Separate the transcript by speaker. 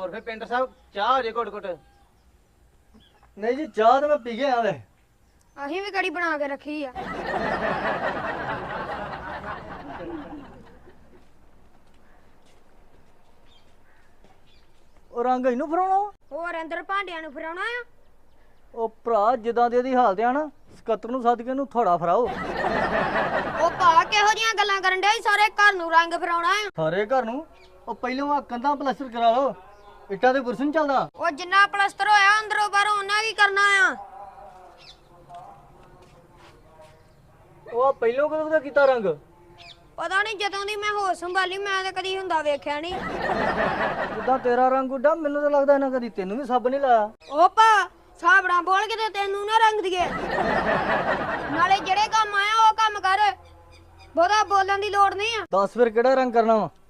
Speaker 1: ਹੋਰ ਫਿਰ ਪਿੰਡ ਸਾਹਿਬ ਚਾਹ ਹੋ ਜੇ ਘੁੱਟ ਘੁੱਟ।
Speaker 2: ਨਹੀਂ ਜੀ ਚਾਹ ਤਾਂ ਮੈਂ ਪੀ ਗਿਆ ਹਾਲੇ।
Speaker 3: ਅਸੀਂ ਵੀ ਕੜੀ ਬਣਾ ਕੇ ਰੱਖੀ ਆ।
Speaker 2: ਉਹ ਰੰਗ ਇਹਨੂੰ ਫਰਾਉਣਾ ਵਾ?
Speaker 3: ਹੋਰ ਅੰਦਰ ਭਾਂਡਿਆਂ ਨੂੰ ਫਰਾਉਣਾ ਆ।
Speaker 2: ਉਹ ਭਰਾ ਜਿੱਦਾਂ ਦੀ ਇਹਦੀ ਹਾਲਤ ਆ ਨਾ, ਸਕੱਤਰ ਨੂੰ ਸੱਦ ਕੇ ਇਹਨੂੰ ਥੋੜਾ ਫਰਾਓ।
Speaker 3: ਉਹ ਭਾ ਕਿਹੋ ਜੀਆਂ ਗੱਲਾਂ ਕਰਨ ਡਿਆ ਈ? ਸਾਰੇ ਘਰ ਨੂੰ ਰੰਗ ਫਰਾਉਣਾ ਆ।
Speaker 2: ਸਾਰੇ ਘਰ ਨੂੰ? ਉਹ ਪਹਿਲਾਂ ਆ ਕੰਧਾਂ ਪਲਾਸਟਰ ਕਰਾ ਲਓ, ਇੱਟਾਂ ਦੇ ਬੁਰਸ਼ ਨੀ ਚੱਲਦਾ।
Speaker 3: ਉਹ ਜਿੰਨਾ ਪਲਸਤਰ ਹੋਇਆ ਅੰਦਰੋਂ ਬਾਹਰੋਂ ਉਹਨਾਂ ਕੀ ਕਰਨਾ ਆ।
Speaker 2: ਉਹ ਪਹਿਲਾਂ ਕਦੋਂ ਦਾ ਕੀਤਾ ਰੰਗ?
Speaker 3: ਪਤਾ ਨਹੀਂ, ਜਦੋਂ ਦੀ ਮੈਂ ਹੋਸ਼ ਸੰਭਾਲੀ ਮੈਂ ਤਾਂ ਕਦੀ ਹੁੰਦਾ ਵੇਖਿਆ ਨਹੀਂ।
Speaker 2: ਜਿੱਦਾਂ ਤੇਰਾ ਰੰਗ ਉੱਡਾ, ਮੈਨੂੰ ਤਾਂ ਲੱਗਦਾ ਇਹਨਾਂ ਕਦੀ ਤੈਨੂੰ ਵੀ ਸੱਬ ਨਹੀਂ ਲਾਇਆ।
Speaker 3: ਉਹ ਭਾ ਸਾਬੜਾ ਬੋਲ ਕੇ ਤੇ ਤੈਨੂੰ ਨਾ ਰੰਗ ਦੀਏ। ਨਾਲੇ ਜਿਹੜੇ ਕੰਮ ਆਇਆ ਉਹ ਕੰਮ ਕਰ, ਬਹੁਤਾ ਬੋਲਣ ਦੀ ਲੋੜ ਨਹੀਂ ਆ।
Speaker 2: ਦੱਸ ਫਿਰ ਕਿਹੜਾ ਰੰਗ ਕਰਨਾ ਵਾ?